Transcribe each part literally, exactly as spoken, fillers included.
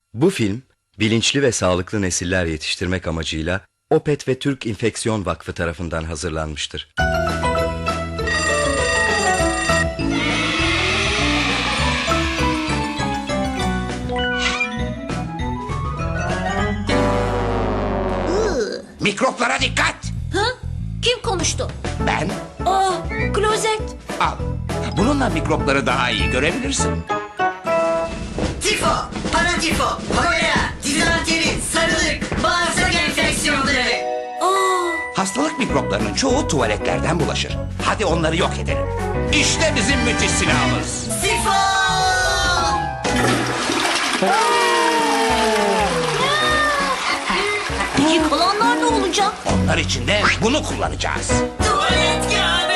Bu film, bilinçli ve sağlıklı nesiller yetiştirmek amacıyla Opet ve Türk İnfeksiyon Vakfı tarafından hazırlanmıştır. Mikroplara dikkat. Ha? Kim konuştu? Ben Aa, klozet. al. Bununla mikropları daha iyi görebilirsin. Tifo, paratifo, kolera, dizanteri, sarılık, bağırsak enfeksiyonları. Aa, Hastalık mikroplarının çoğu tuvaletlerden bulaşır. Hadi onları yok edelim. İşte bizim müthiş silahımız. Sifo! peki kalanlar ne olacak? Onlar için de bunu kullanacağız. Tuvalet kağıdı!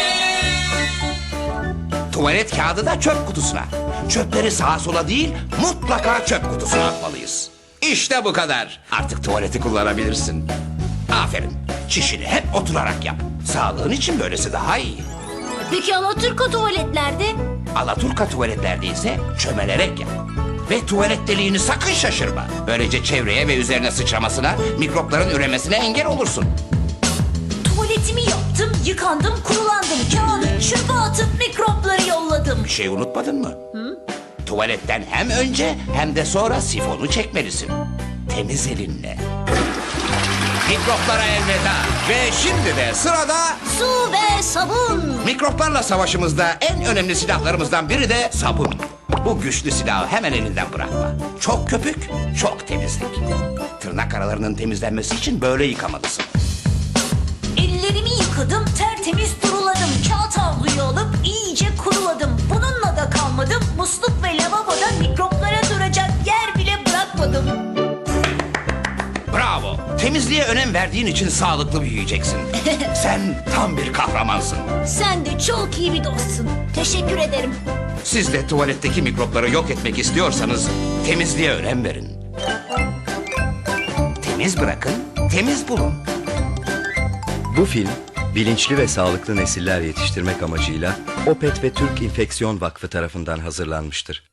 Tuvalet kağıdı da çöp kutusuna. Çöpleri sağa sola değil, mutlaka çöp kutusuna atmalıyız. İşte bu kadar. Artık tuvaleti kullanabilirsin. Aferin. Çişini hep oturarak yap. Sağlığın için böylesi daha iyi. Peki Alaturka tuvaletlerde? Alaturka tuvaletlerde ise çömelerek yap. Ve tuvalet deliğini sakın şaşırma. Böylece çevreye ve üzerine sıçramasına, mikropların üremesine engel olursun. Tuvaletimi yaptım, yıkandım, kurulandım. Kağıdı çöpe atıp mikropları yolladım. Bir şey unutmadın mı? Tuvaletten hem önce hem de sonra sifonu çekmelisin. Temiz elinle. Mikroplara elveda. Ve şimdi de sırada Su ve sabun. mikroplarla savaşımızda en önemli silahlarımızdan biri de sabun. Bu güçlü silahı hemen elinden bırakma. Çok köpük, çok temizlik. Tırnak aralarının temizlenmesi için böyle yıkamalısın. Ellerimi yıkadım, tertemiz duruladım. Kağıt havluyu alıp iyice kuruladım. Bununla da kalmadım. Musluk ve lavaboda mikroplara duracak yer bile bırakmadım. Bravo. Temizliğe önem verdiğin için sağlıklı büyüyeceksin. Sen tam bir kahramansın. Sen de çok iyi bir dostsun. Teşekkür ederim. Siz de tuvaletteki mikropları yok etmek istiyorsanız temizliğe önem verin. Temiz bırakın, temiz bulun. Bu film, bilinçli ve sağlıklı nesiller yetiştirmek amacıyla Opet ve Türk İnfeksiyon Vakfı tarafından hazırlanmıştır.